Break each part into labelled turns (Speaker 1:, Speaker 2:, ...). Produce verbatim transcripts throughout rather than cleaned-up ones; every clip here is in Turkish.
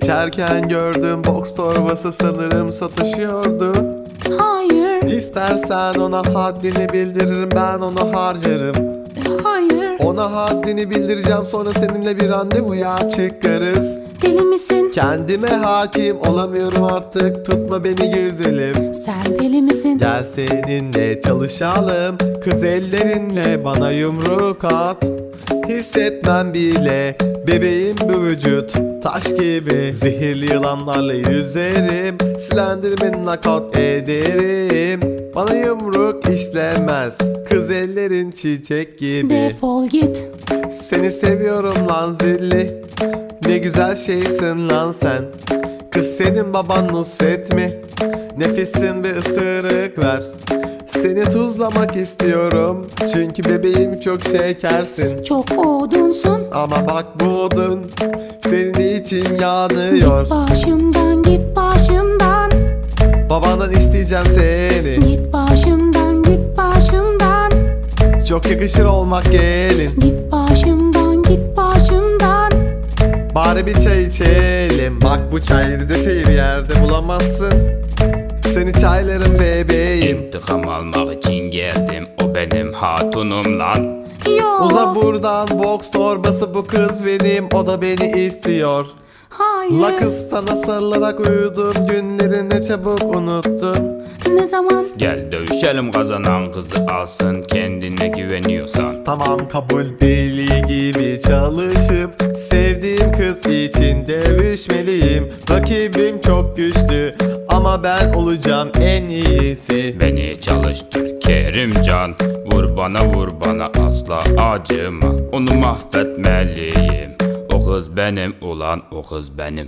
Speaker 1: Geçerken gördüm box torbası, sanırım satışıyordu.
Speaker 2: Hayır,
Speaker 1: İstersen ona haddini bildiririm, ben onu harcarım.
Speaker 2: hayır.
Speaker 1: Ona haddini bildireceğim, sonra seninle bir randevuya çıkarız.
Speaker 2: Deli misin?
Speaker 1: Kendime hakim olamıyorum artık, tutma beni güzelim.
Speaker 2: Sen deli misin?
Speaker 1: Gel seninle çalışalım, kız ellerinle bana yumruk at. Hissetmem bile bebeğim bu vücut, taş gibi. Zehirli yılanlarla yüzerim, Slenderman'i knockout ederim. Bana yumruk işlemez, kız ellerin çiçek gibi.
Speaker 2: Defol git.
Speaker 1: Seni seviyorum lan zilli, ne güzel şeysin lan sen. Kız senin baban Nusret mi? Nefesin bir ısırık ver. Seni tuzlamak istiyorum, çünkü bebeğim çok şekersin.
Speaker 2: Çok odunsun.
Speaker 1: Ama bak bu odun senin için yanıyor.
Speaker 2: Git başımdan, git başımdan.
Speaker 1: Babandan isteyeceğim seni,
Speaker 2: Git başımdan, git başımdan.
Speaker 1: çok yakışır olmak gelin.
Speaker 2: Git başımdan, git başımdan.
Speaker 1: Bari bir çay içelim, bak bu çay Rize çayı bir yerde bulamazsın. Seni çaylarım bebeğim.
Speaker 3: İntikam almak için geldim, o benim hatunum lan.
Speaker 2: Yo.
Speaker 1: Uza buradan box torbası, bu kız benim, o da beni istiyor.
Speaker 2: Hayır.
Speaker 1: La kız sana sarılarak uyudum, günlerini çabuk unuttun.
Speaker 2: Ne zaman?
Speaker 3: Gel dövüşelim, kazanan kızı alsın, kendine güveniyorsan.
Speaker 1: Tamam kabul, deli gibi çalışıp sevdiğim kız için dövüşmeliyim. Rakibim çok güçlü ama ben olacağım en iyisi.
Speaker 3: Beni çalıştır Kerimcan, vur bana vur bana, asla acıma. Onu mahvetmeliyim, o kız benim ulan, o kız benim.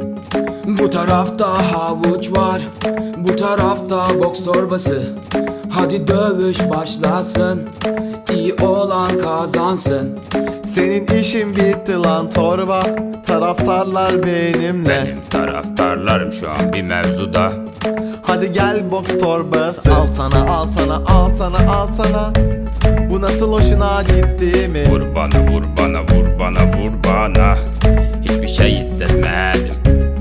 Speaker 4: Bu tarafta havuç var, bu tarafta boks torbası. Hadi dövüş başlasın, iyi olan kazansın.
Speaker 1: Senin işin bitti lan torba, taraftarlar benimle.
Speaker 3: Benim taraftarlarım şu an bir mevzuda.
Speaker 1: Hadi gel box torbası, al sana al sana al sana al sana. Bu nasıl hoşuna gitti mi?
Speaker 3: Vur bana vur bana vur bana vur bana, hiçbir şey hissetmedim.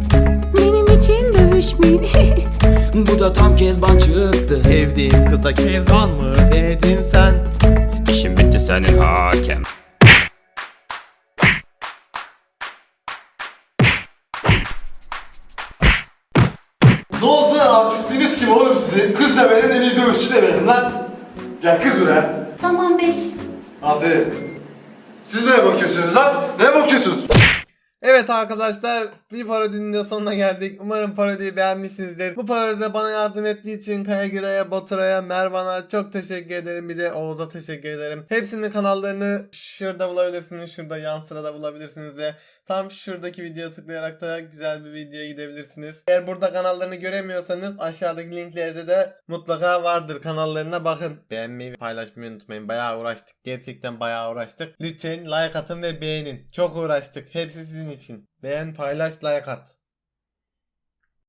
Speaker 2: Benim için dövüşmeyin.
Speaker 4: Bu da tam kezban çıktı.
Speaker 1: Sevdiğim kıza kezban mı dedin sen?
Speaker 3: İşim bitti senin hakem.
Speaker 5: Ne oldu lan, artistiniz kim oğlum sizin? Kız da benim, en iyi dövüşçü de benim lan. Gel kız buraya.
Speaker 2: Tamam bey.
Speaker 5: Aferin. Siz neye bakıyorsunuz lan? Neye bakıyorsunuz?
Speaker 1: Evet arkadaşlar, bir parodinin de sonuna geldik. Umarım parodiyi beğenmişsinizdir. Bu parodide bana yardım ettiği için Kayagira'ya, Baturay'a, Mervan'a çok teşekkür ederim. Bir de Oğuz'a teşekkür ederim. Hepsinin kanallarını şurada bulabilirsiniz. Şurada yan sırada bulabilirsiniz ve tam şuradaki videoya tıklayarak da güzel bir videoya gidebilirsiniz. Eğer burada kanallarını göremiyorsanız aşağıdaki linklerde de mutlaka vardır. Kanallarına bakın. Beğenmeyi ve paylaşmayı unutmayın. Bayağı uğraştık. Gerçekten bayağı uğraştık. Lütfen like atın ve beğenin. Çok uğraştık. Hepsi sizin için. Beğen, paylaş, like at.